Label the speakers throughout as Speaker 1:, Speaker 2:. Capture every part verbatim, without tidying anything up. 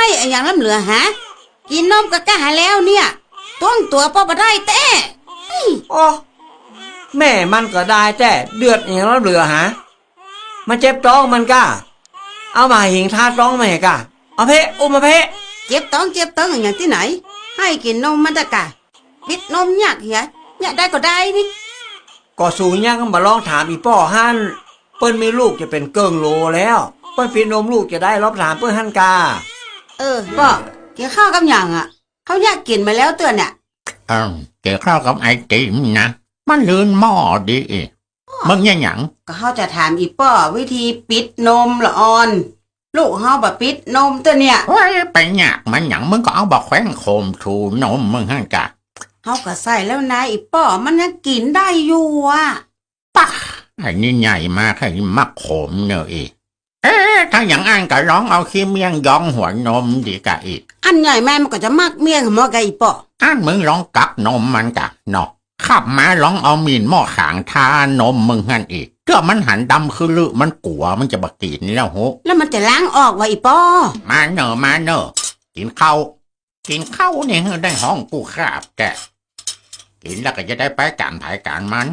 Speaker 1: ให้อะอย่างล้ำเหลือฮะกินนมกะกะหาแล้วเนี่ยต้องตัวป้อบ่ได้แต่
Speaker 2: อ๋อแม่มันก็ได้แต่เดือดอย่างแล้วเหลือฮะมาเจ็บท้องมันก้าเอามาหิงทาท้องมาให้ก้าเอาเพะอุ้มมาเพะ
Speaker 1: เจ็บท้องเจ็บท้องอย่างที่ไหนให้กินนมมันจะกะปิดนมยากเหี้ยอยากได้ก็ได้นี่
Speaker 2: ก็สูงยังมาลองถามอีป้อฮั่นเปิ้นมีลูกจะเป็นเกิงโลแล้วเปิ้นฟีนนมลูกจะได้รอบถามเปิ้นฮั่นกา
Speaker 1: เออป้อกินข้าวกับอย่างอ่ะเขาอยากกินมาแล้วเตือนเนี่ย
Speaker 3: เออเกี่ยวข้าวกับไอติมนะมันลื่นหม้อดีมึงยังหยัง
Speaker 1: ก็เขาจะถามอีป้อวิธีปิดนมละอ่อนลูกเฮาแบบปิดนมตัวเนี่ย
Speaker 3: ว้ยไปหยักมันหยังมึงก็เอาบอกแขวนโคมถูนมมึงฮั่นกะ
Speaker 1: เฮาก็ใส่แล้วนะอีป้อมันยังกินได้อยู่อ่ะ
Speaker 3: ป่ะไอ้นี่ใหญ่มากไอ้มักโขมเนอะอีเอ๊ะถ้าอย่างอ่านก็ร้องเอาขี้เมียงยองหัวนมดีกะอีก
Speaker 1: อันใหญ่แม่มันก็จะมักเมียงหมอไก่อีป้อ
Speaker 3: อ่านมึงร้องกักนมมันกะเนาะขับมาร้องเอามีนหม้อขางทานมมึงฮั่นอีกเกือบมันหันดำคือลือมันกลัวมันจะบักกินแล้วโห
Speaker 1: แล้วมันจะล้างออกวะอีป้อ
Speaker 3: มาเนอะมาเนอะกินข้าวกินข้าวเนี่ยได้ห้องกูขาบแกกินแล้วก็จะได้ไปการถ่ายการมัน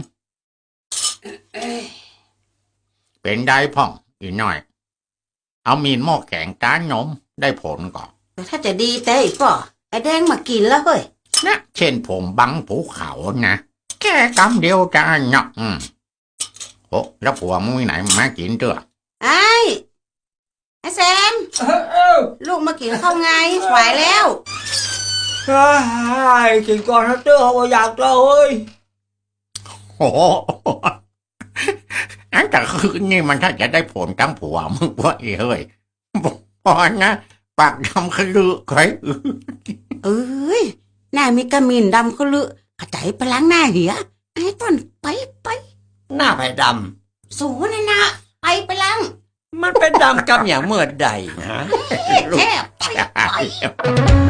Speaker 3: เป็นได้พ่องอีน้อยเอามีนหม้อแกงก้านนมได้ผลก่อน
Speaker 1: แต่ถ้าจะดีแต่อีป้อไอ้แดงมากินแล้วเฮ้ย
Speaker 3: นะเช่นผมบังภูเขานะแค่กำเดียวจะเนาะอืมโอ้แล้วผัวมึงไหนมากินเด้อ
Speaker 1: ไอ้ไอ้แซมลูกมากินข้าวไงไหวแล้ว
Speaker 2: ใช่กินก่อนนะเจ้าว่าอยากเล่าเฮ้ย
Speaker 3: โอ้อันแต่คืนนี่มันถ้าจะได้ผลทั้งผัวมึงว่าเฮ้ยพอนะปากดำขลือใคร
Speaker 1: เอ้ยหน้ามีกระมินดำขลือกระจายไปล้างหน้าเหี้ยไอ้ต้นไปไป
Speaker 2: หน้าไผ่ด
Speaker 1: ำสูนี่นะไปไปล้าง
Speaker 2: มันเป็นดำกับอย่างเมื่อใดฮะ
Speaker 1: แค่ไปไป